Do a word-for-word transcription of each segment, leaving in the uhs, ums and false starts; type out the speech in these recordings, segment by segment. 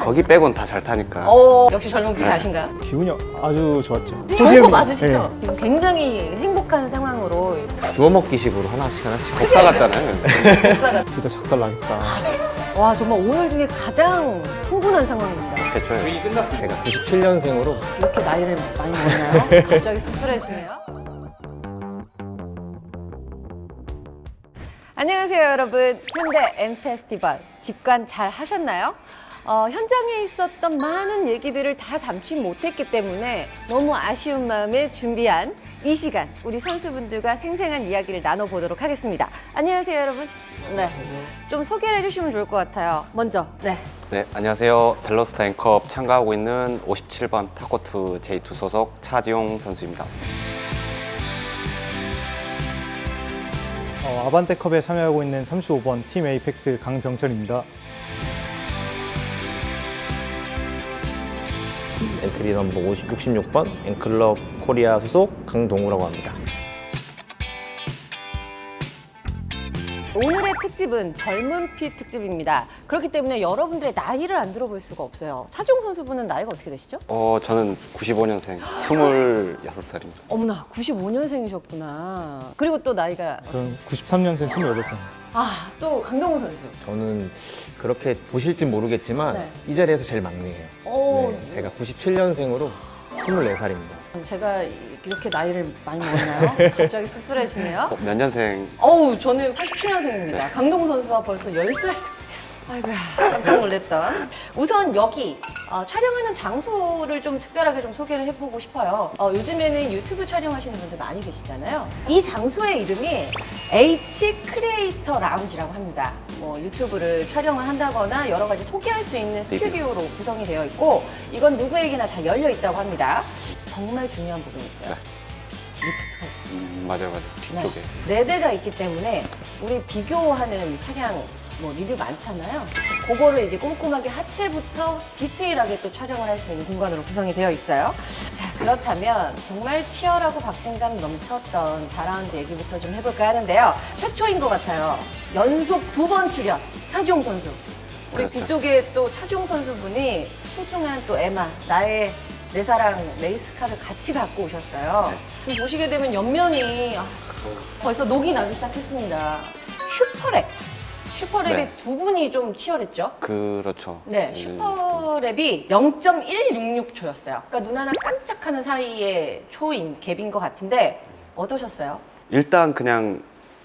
거기 빼곤 다 잘 타니까. 어, 역시 젊은 피 자신감. 기분이 아주 좋았죠. 좋은 거 맞으시죠? 네. 지금 굉장히 행복한 상황으로 주워 먹기식으로 하나씩 하나씩. 복사 같잖아요. 복사가. 진짜 작살 나겠다. 와, 정말 오늘 중에 가장 흥분한 상황입니다. 그렇죠. 제가 구십칠 년생으로 이렇게 나이를 많이 먹나요? 갑자기 씁쓸해지네요. 안녕하세요, 여러분. 현대 M 페스티벌 집관 잘 하셨나요? 어, 현장에 있었던 많은 얘기들을 다 담지 못했기 때문에 너무 아쉬운 마음에 준비한 이 시간 우리 선수분들과 생생한 이야기를 나눠보도록 하겠습니다. 안녕하세요, 여러분. 네, 좀 소개를 해주시면 좋을 것 같아요. 먼저, 네. 네, 안녕하세요. 벨로스타 앵컵 참가하고 있는 오십칠 번 타코트 제이 투 소속 차지용 선수입니다. 어, 아반떼컵에 참여하고 있는 삼십오 번 팀 에이펙스 강병철입니다. 엔트리 넘버 육십육 번 앵클럽 코리아 소속 강동우라고 합니다. 오늘의 특집은 젊은 피 특집입니다. 그렇기 때문에 여러분들의 나이를 안 들어볼 수가 없어요. 차지용 선수분은 나이가 어떻게 되시죠? 어, 저는 구십오 년생, 스물여섯 살입니다. 어머나, 구십오 년생이셨구나. 그리고 또 나이가 저는 구십삼 년생 스물여덟 살. 아, 또 강동우 선수. 저는 그렇게 보실진 모르겠지만 네. 이 자리에서 제일 막내예요. 오, 네, 제가 구십칠 년생으로 스물네 살입니다. 제가 이렇게 나이를 많이 먹었나요? 갑자기 씁쓸해지네요. 어, 몇 년생? 어우, 저는 팔십칠 년생입니다. 강동우 선수와 벌써 열 살. 아이고야, 깜짝 놀랐던. 우선 여기 어, 촬영하는 장소를 좀 특별하게 좀 소개를 해보고 싶어요. 어, 요즘에는 유튜브 촬영하시는 분들 많이 계시잖아요. 이 장소의 이름이 H 크리에이터 라운지라고 합니다. 뭐 유튜브를 촬영을 한다거나 여러 가지 소개할 수 있는 스튜디오로 구성이 되어 있고, 이건 누구에게나 다 열려 있다고 합니다. 정말 중요한 부분이 있어요. 네. 리프트가 있습니다. 음, 맞아요, 맞아요. 뒤쪽에. 네. 네 대가 있기 때문에 우리 비교하는 차량 뭐 리뷰 많잖아요. 그거를 이제 꼼꼼하게 하체부터 디테일하게 또 촬영을 할 수 있는 공간으로 구성이 되어 있어요. 자, 그렇다면 정말 치열하고 박진감 넘쳤던 사 라운드 얘기부터 좀 해볼까 하는데요. 최초인 것 같아요. 연속 두 번 출연, 차지용 선수. 우리 그렇죠. 뒤쪽에 또 차지용 선수분이 소중한 또 에마, 나의 내 사랑 레이스카를 같이 갖고 오셨어요. 지금 보시게 되면 옆면이 아, 벌써 녹이 나기 시작했습니다. 슈퍼랩. 슈퍼랩이 네. 두 분이 좀 치열했죠? 그렇죠. 네, 음, 슈퍼랩이 영 점 일육육 초였어요. 그러니까 눈 하나 깜짝하는 사이에 초인 갭인 것 같은데 어떠셨어요? 일단 그냥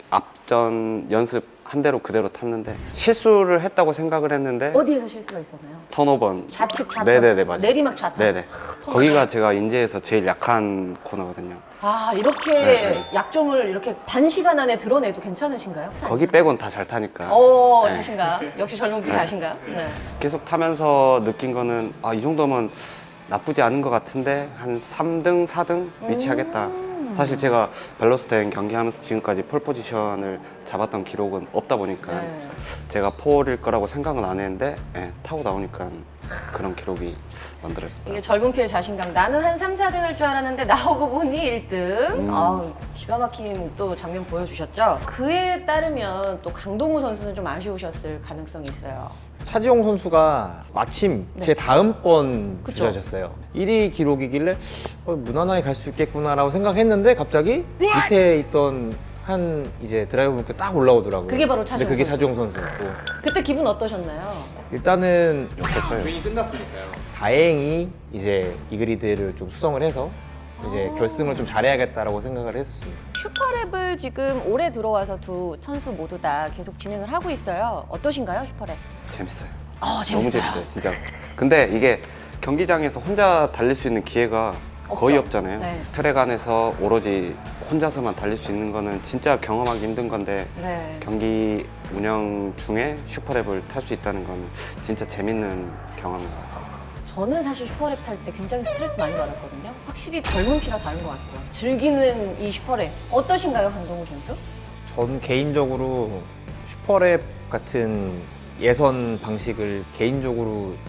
앞전 연습 한 대로 그대로 탔는데 실수를 했다고 생각을 했는데 어디에서 실수가 있었나요? 턴오버. 좌측, 좌측. 네네네, 맞아요. 내리막 좌측. 네네. 턴오버. 거기가 제가 인제에서 제일 약한 코너거든요. 아, 이렇게 네. 약점을 이렇게 단시간 안에 드러내도 괜찮으신가요? 거기 빼곤 다 잘 타니까. 어, 네. 자신감. 역시 젊은 피 자신감. 네. 계속 타면서 느낀 거는 아, 이 정도면 나쁘지 않은 것 같은데 한 삼 등, 사 등 위치하겠다. 음. 사실 제가 벨로스텐 경기하면서 지금까지 폴 포지션을 잡았던 기록은 없다 보니까 네. 제가 폴일 거라고 생각은 안 했는데 예, 타고 나오니까 그런 기록이 만들어졌다. 이게 젊은 피의 자신감. 나는 한 삼, 사 등 할 줄 알았는데 나오고 보니 일 등. 음. 아우, 기가 막힌 또 장면 보여주셨죠? 그에 따르면 또 강동우 선수는 좀 아쉬우셨을 가능성이 있어요. 차지용 선수가 마침 네. 제 다음번 그쵸. 주자셨어요. 일 위 기록이길래 어, 무난하게 갈 수 있겠구나라고 생각했는데 갑자기 밑에 있던 한 이제 드라이버 분께 딱 올라오더라고요. 그게 바로 근데 차지용 그게 선수. 차지용 선수였고 그때 기분 어떠셨나요? 일단은 좋죠. 주인이 끝났으니까요. 다행히 이제 이 그리드를 좀 수성을 해서 이제 아. 결승을 좀 잘해야겠다라고 생각을 했었습니다. 슈퍼랩을 지금 올해 들어와서 두 선수 모두 다 계속 진행을 하고 있어요. 어떠신가요, 슈퍼랩? 재밌어요. 어, 너무 재밌어요, 진짜. 근데 이게 경기장에서 혼자 달릴 수 있는 기회가 거의 없죠. 없잖아요. 네. 트랙 안에서 오로지 혼자서만 달릴 수 있는 거는 진짜 경험하기 힘든 건데 네. 경기 운영 중에 슈퍼랩을 탈 수 있다는 건 진짜 재밌는 경험인 것 같아요. 저는 사실 슈퍼랩 탈 때 굉장히 스트레스 많이 받았거든요. 확실히 젊은 피라 다른 것 같아요. 즐기는 이 슈퍼랩. 어떠신가요, 강동우 선수? 전 개인적으로 슈퍼랩 같은 예선 방식을 개인적으로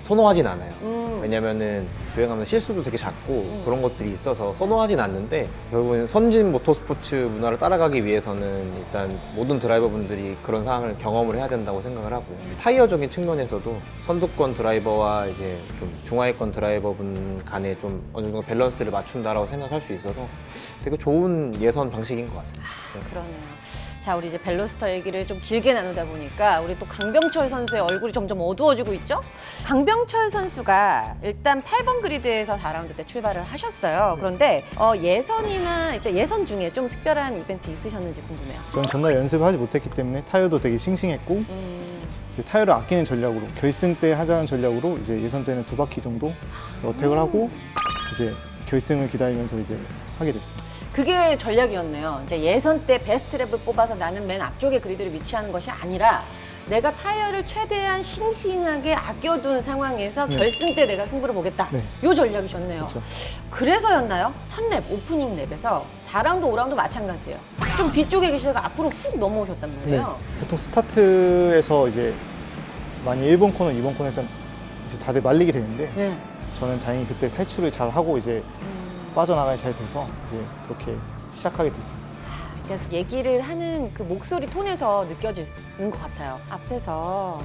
선호하진 않아요. 음. 왜냐면은 주행하면 실수도 되게 작고 그런 것들이 있어서 선호하진 않는데, 결국에는 선진 모터스포츠 문화를 따라가기 위해서는 일단 모든 드라이버분들이 그런 상황을 경험을 해야 된다고 생각을 하고, 타이어적인 측면에서도 선두권 드라이버와 이제 좀 중하위권 드라이버분 간에 좀 어느 정도 밸런스를 맞춘다라고 생각할 수 있어서 되게 좋은 예선 방식인 것 같습니다. 네. 그러네요. 자, 우리 이제 벨로스터 얘기를 좀 길게 나누다 보니까 우리 또 강병철 선수의 얼굴이 점점 어두워지고 있죠? 강병철 선수가 일단 팔 번 그리드에서 사 라운드 때 출발을 하셨어요. 그런데 어, 예선이나 이제 예선 중에 좀 특별한 이벤트 있으셨는지 궁금해요. 저는 전날 연습을 하지 못했기 때문에 타이어도 되게 싱싱했고 음, 이제 타이어를 아끼는 전략으로 결승 때 하자는 전략으로 이제 예선 때는 두 바퀴 정도 어택을 하고 이제 결승을 기다리면서 이제 하게 됐습니다. 그게 전략이었네요. 이제 예선 때 베스트 랩을 뽑아서 나는 맨 앞쪽에 그리드를 위치하는 것이 아니라 내가 타이어를 최대한 싱싱하게 아껴둔 상황에서 네. 결승 때 내가 승부를 보겠다. 네. 요 전략이셨네요. 그렇죠. 그래서였나요? 첫 랩, 오프닝 랩에서 사 라운드, 오 라운드 마찬가지예요. 좀 뒤쪽에 계시다가 앞으로 훅 넘어오셨단 네. 말이에요. 보통 스타트에서 이제 많이 일 번 코너, 이 번 코너에서 이제 다들 말리게 되는데 네. 저는 다행히 그때 탈출을 잘 하고 이제 빠져나가기 잘 돼서 이제 그렇게 시작하게 됐습니다. 그러니까 얘기를 하는 그 목소리 톤에서 느껴지는 것 같아요. 앞에서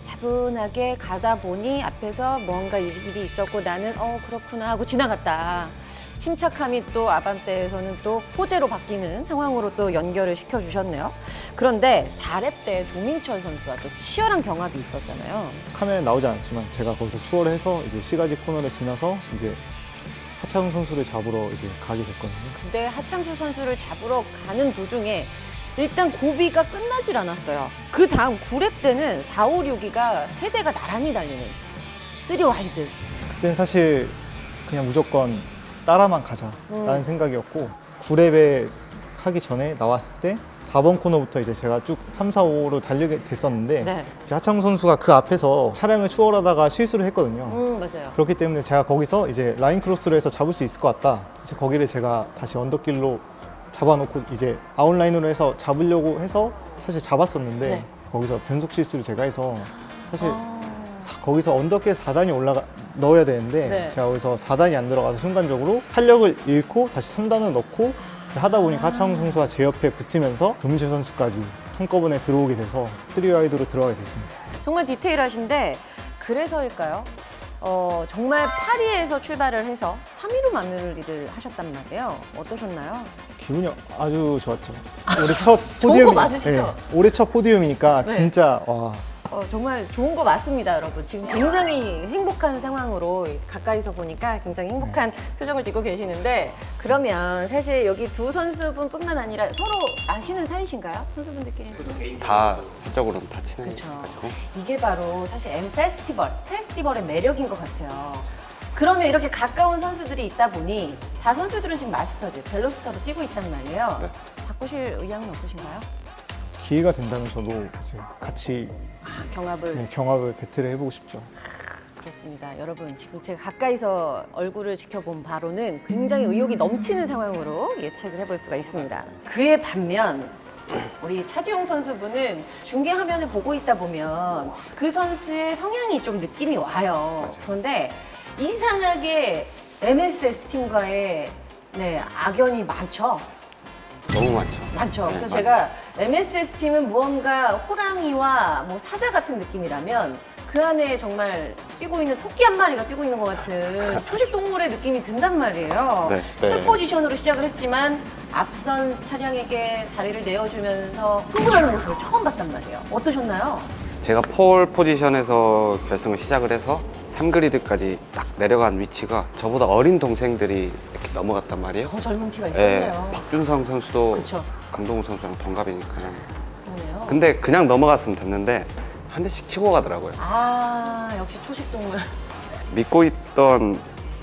차분하게 가다 보니 앞에서 뭔가 일이 있었고 나는 어 그렇구나 하고 지나갔다. 침착함이 또 아반떼에서는 또 호재로 바뀌는 상황으로 또 연결을 시켜주셨네요. 그런데 사 랩 때 조민철 선수와 또 치열한 경합이 있었잖아요. 카메라에 나오지 않았지만 제가 거기서 추월을 해서 이제 시가지 코너를 지나서 이제 하창훈 선수를 잡으러 이제 가게 됐거든요. 근데 하창수 선수를 잡으러 가는 도중에 일단 고비가 끝나질 않았어요. 그 다음 구 랩 때는 사, 오, 육위가 세 대가 나란히 달리는 쓰리 와이드. 그때는 사실 그냥 무조건 따라만 가자라는 음. 생각이었고 구 랩에 하기 전에 나왔을 때 사 번 코너부터 이제 제가 쭉 삼, 사, 오로 달리게 됐었는데 네. 이제 하창훈 선수가 그 앞에서 차량을 추월하다가 실수를 했거든요. 음, 맞아요. 그렇기 때문에 제가 거기서 이제 라인 크로스로 해서 잡을 수 있을 것 같다. 이제 거기를 제가 다시 언덕길로 잡아놓고 이제 아웃라인으로 해서 잡으려고 해서 사실 잡았었는데 네. 거기서 변속 실수를 제가 해서 사실 아, 사- 거기서 언덕길 사 단이 올라가 넣어야 되는데 네. 제가 거기서 사 단이 안 들어가서 순간적으로 탄력을 잃고 다시 삼 단을 넣고 이제 하다 보니까 하창훈 선수가 제 옆에 붙으면서 조민철 선수까지 한꺼번에 들어오게 돼서 쓰리 와이드로 들어가게 됐습니다. 정말 디테일하신데 그래서일까요? 어, 정말 파리에서 출발을 해서 삼 위로 마무리를 하셨단 말이에요. 어떠셨나요? 기분이 아주 좋았죠. 올해 첫 좋은 포디움 거 맞으시죠? 올해 첫 포디움이니까 네. 진짜 와 어, 정말 좋은 거 맞습니다, 여러분. 지금 굉장히 행복한 상황으로 가까이서 보니까 굉장히 행복한 표정을 짓고 계시는데 그러면 사실 여기 두 선수분뿐만 아니라 서로 아시는 사이신가요? 선수분들끼리? 다 사적으로는 다 그렇죠. 친해가지고. 이게 바로 사실 M 페스티벌, 페스티벌의 매력인 것 같아요. 그러면 이렇게 가까운 선수들이 있다 보니 다 선수들은 지금 마스터즈, 벨로스터로 뛰고 있단 말이에요. 네. 바꾸실 의향은 없으신가요? 기회가 된다면 저도 이제 같이 경합을. 네, 경합을 배틀을 해보고 싶죠. 그렇습니다. 여러분, 지금 제가 가까이서 얼굴을 지켜본 바로는 굉장히 의욕이 넘치는 상황으로 예측을 해볼 수가 있습니다. 그에 반면 우리 차지용 선수분은 중계 화면을 보고 있다 보면 그 선수의 성향이 좀 느낌이 와요. 그런데 이상하게 엠에스에스 팀과의 네, 악연이 많죠. 너무 많죠. 많죠. 네, 그래서 많아요. 제가 엠에스에스 팀은 무언가 호랑이와 뭐 사자 같은 느낌이라면 그 안에 정말 뛰고 있는 토끼 한 마리가 뛰고 있는 것 같은 초식 동물의 느낌이 든단 말이에요. 네, 풀 네. 포지션으로 시작을 했지만 앞선 차량에게 자리를 내어주면서 흥분하는 모습을 처음 봤단 말이에요. 어떠셨나요? 제가 폴 포지션에서 결승을 시작을 해서 삼 그리드까지 딱 내려간 위치가 저보다 어린 동생들이 이렇게 넘어갔단 말이에요. 더 젊은 피가 예, 있었네요. 박준성 선수도 그쵸. 강동우 선수랑 동갑이니까. 그러네요. 근데 그냥 넘어갔으면 됐는데 한 대씩 치고 가더라고요. 아, 역시 초식 동물. 믿고 있던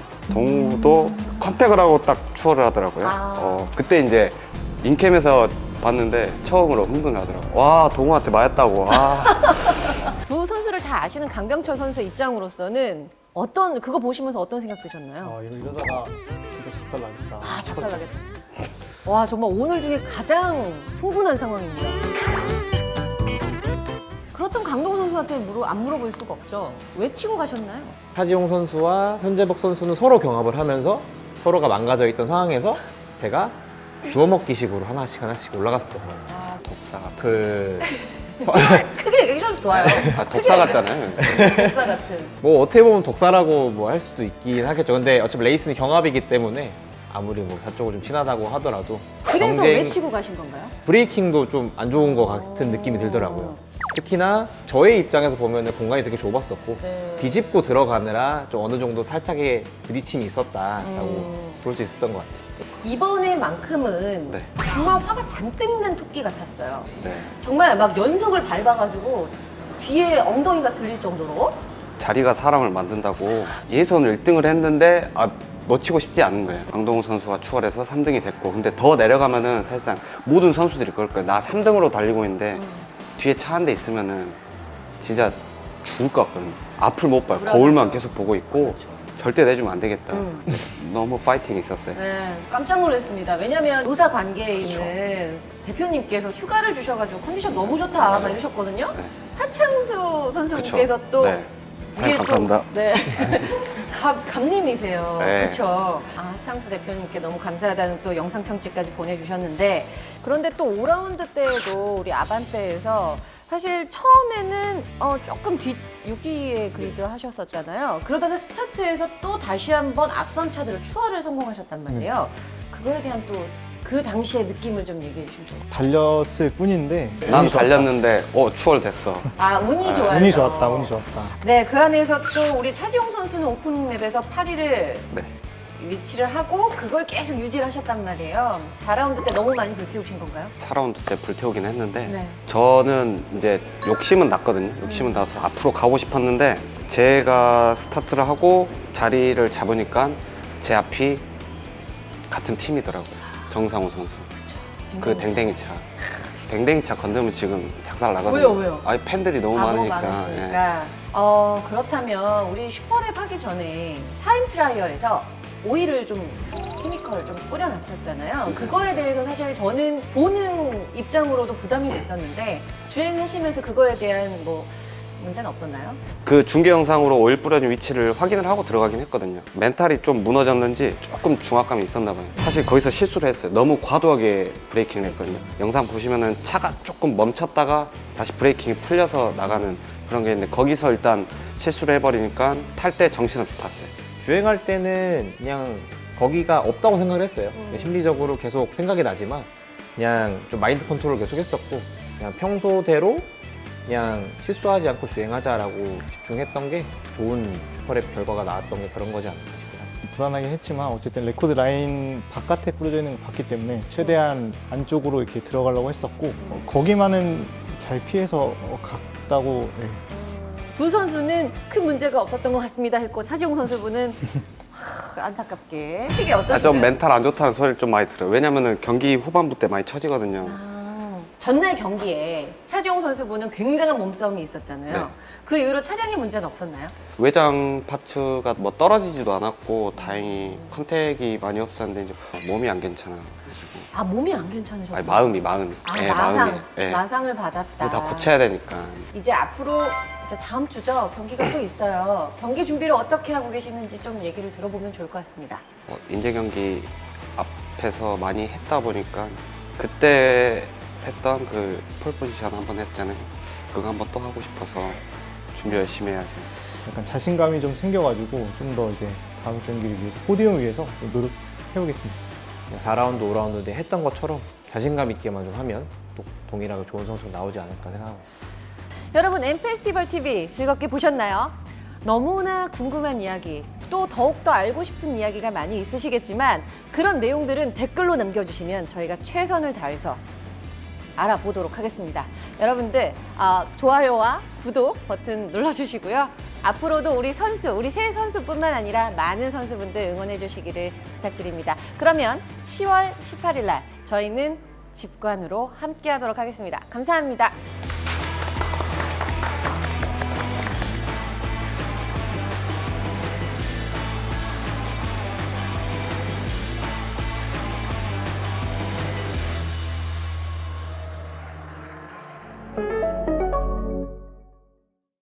동우도 컨택을 하고 딱 추월을 하더라고요. 아. 어, 그때 이제 인캠에서 봤는데 처음으로 흥분을 하더라고요. 와, 동우한테 맞았다고. 아. 두 선수를 다 아시는 강병철 선수의 입장으로서는 어떤 그거 보시면서 어떤 생각 드셨나요? 아 이거 이러다가 진짜 작살 나겠다. 아, 작살나겠다. 와, 정말 오늘 중에 가장 흥분한 상황입니다. 그렇다면 강동원 선수한테 물어, 안 물어볼 수가 없죠. 왜 치고 가셨나요? 차지용 선수와 현재복 선수는 서로 경합을 하면서 서로가 망가져 있던 상황에서 제가 주워먹기식으로 하나씩 하나씩 올라갔었던 거예요. 아, 독사 같은. 그 크게 얘기해 주셔서 좋아요. 아, 독사 같잖아요. 독사 같은. 뭐 어떻게 보면 독사라고 뭐 할 수도 있긴 하겠죠. 근데 어차피 레이스는 경합이기 때문에 아무리 뭐 저쪽으로 좀 친하다고 하더라도 그래서 경쟁- 왜 치고 가신 건가요? 브레이킹도 좀 안 좋은 것 같은 느낌이 들더라고요. 특히나 저의 입장에서 보면 공간이 되게 좁았었고 네. 비집고 들어가느라 좀 어느 정도 살짝의 부딪힘이 있었다라고 음. 볼 수 있었던 것 같아요. 이번에만큼은 네. 정말 화가 잔뜩 난 토끼 같았어요. 네. 정말 막 연속을 밟아가지고 뒤에 엉덩이가 들릴 정도로. 자리가 사람을 만든다고 예선을 일 등을 했는데 아, 놓치고 싶지 않은 거예요. 강동우 선수가 추월해서 삼 등이 됐고, 근데 더 내려가면은 사실상 모든 선수들이 그럴 거예요. 나 삼 등으로 달리고 있는데 음. 뒤에 차 한 대 있으면은 진짜 죽을 것 같거든요. 앞을 못 봐요. 불안하죠. 거울만 계속 보고 있고 그렇죠. 절대 내주면 안 되겠다. 음. 너무 파이팅이 있었어요. 네, 깜짝 놀랐습니다. 왜냐면 노사 관계에 있는 대표님께서 휴가를 주셔가지고 컨디션 너무 좋다 막 이러셨거든요. 네. 하창수 선수께서 그쵸. 또 네. 우리의 사장님 감사합니다. 또, 네. 감, 감님이세요. 네. 그렇죠. 아, 하창수 대표님께 너무 감사하다는 또 영상 편지까지 보내주셨는데, 그런데 또 오 라운드 때에도 우리 아반떼에서 사실 처음에는 어, 조금 뒷 육 위에 그리드 하셨었잖아요. 그러다가 스타트에서 또 다시 한번 앞선 차들을 추월을 성공하셨단 말이에요. 그거에 대한 또 그 당시의 느낌을 좀 얘기해 주시죠. 달렸을 뿐인데 난 운이 좋았다. 달렸는데 어 추월됐어. 아, 운이 좋아요. 운이 좋았다, 운이 좋았다. 네, 그 안에서 또 우리 차지용 선수는 오프닝 랩에서 팔 위를 네. 위치를 하고 그걸 계속 유지를 하셨단 말이에요. 사 라운드 때 너무 많이 불태우신 건가요? 사 라운드 때 불태우긴 했는데 네. 저는 이제 욕심은 났거든요. 욕심은 나서 앞으로 가고 싶었는데 제가 스타트를 하고 자리를 잡으니까 제 앞이 같은 팀이더라고요. 정상우 선수. 그 댕댕이 차. 댕댕이 차 건드면 지금 작살 나거든요. 왜요, 왜요? 아니 팬들이 너무 아, 너무 많으니까. 예. 많으시니까. 어, 그렇다면 우리 슈퍼랩 하기 전에 타임 트라이얼에서 오일을 좀 케미컬을 좀 뿌려놨었잖아요. 그거에 대해서 사실 저는 보는 입장으로도 부담이 됐었는데 주행하시면서 그거에 대한 뭐 문제는 없었나요? 그 중계 영상으로 오일 뿌려진 위치를 확인을 하고 들어가긴 했거든요. 멘탈이 좀 무너졌는지 조금 중압감이 있었나 봐요. 사실 거기서 실수를 했어요. 너무 과도하게 브레이킹을 했거든요. 영상 보시면은 차가 조금 멈췄다가 다시 브레이킹이 풀려서 나가는 그런 게 있는데 거기서 일단 실수를 해버리니까 탈 때 정신없이 탔어요. 주행할 때는 그냥 거기가 없다고 생각을 했어요. 음. 심리적으로 계속 생각이 나지만 그냥 좀 마인드 컨트롤을 계속 했었고 그냥 평소대로 그냥 실수하지 않고 주행하자라고 집중했던 게 좋은 슈퍼랩 결과가 나왔던 게 그런 거지 않나 싶어요. 불안하긴 했지만 어쨌든 레코드 라인 바깥에 뿌려져 있는 걸 봤기 때문에 최대한 안쪽으로 이렇게 들어가려고 했었고 어, 거기만은 잘 피해서 어, 갔다고. 네. 두 선수는 큰 문제가 없었던 것 같습니다 했고 차지용 선수분은 하, 안타깝게 솔직히 아, 어떠신가요? 좀 멘탈 안 좋다는 소리를 좀 많이 들어요. 왜냐면은 경기 후반부 때 많이 처지거든요. 아, 전날 경기에 차지용 선수분은 굉장한 몸싸움이 있었잖아요. 네. 그 이후로 차량에 문제는 없었나요? 외장 파츠가 뭐 떨어지지도 않았고 다행히 컨택이 많이 없었는데 이제 몸이 안 괜찮아요. 아, 몸이 안 괜찮으셨구나. 아니, 마음이 마음이. 아, 예, 마상, 마음이. 예. 마상을 받았다. 이거 다 고쳐야 되니까. 이제 앞으로 이제 다음 주죠. 경기가 또 있어요. 경기 준비를 어떻게 하고 계시는지 좀 얘기를 들어보면 좋을 것 같습니다. 어, 인제 경기 앞에서 많이 했다 보니까 그때 했던 그 폴 포지션 한번 했잖아요. 그거 한번 또 하고 싶어서 준비 열심히 해야죠. 약간 자신감이 좀 생겨가지고 좀 더 이제 다음 경기를 위해서 포디움을 위해서 좀 노력해보겠습니다. 사 라운드, 오 라운드 때 했던 것처럼 자신감 있게만 좀 하면 또 동일하게 좋은 성적 나오지 않을까 생각하고 있습니다. 여러분, 엠페스티벌 티비 즐겁게 보셨나요? 너무나 궁금한 이야기, 또 더욱더 알고 싶은 이야기가 많이 있으시겠지만 그런 내용들은 댓글로 남겨주시면 저희가 최선을 다해서 알아보도록 하겠습니다. 여러분들 어, 좋아요와 구독 버튼 눌러주시고요. 앞으로도 우리 선수, 우리 새 선수뿐만 아니라 많은 선수분들 응원해 주시기를 부탁드립니다. 그러면 시월 십팔일 날 저희는 집관으로 함께 하도록 하겠습니다. 감사합니다.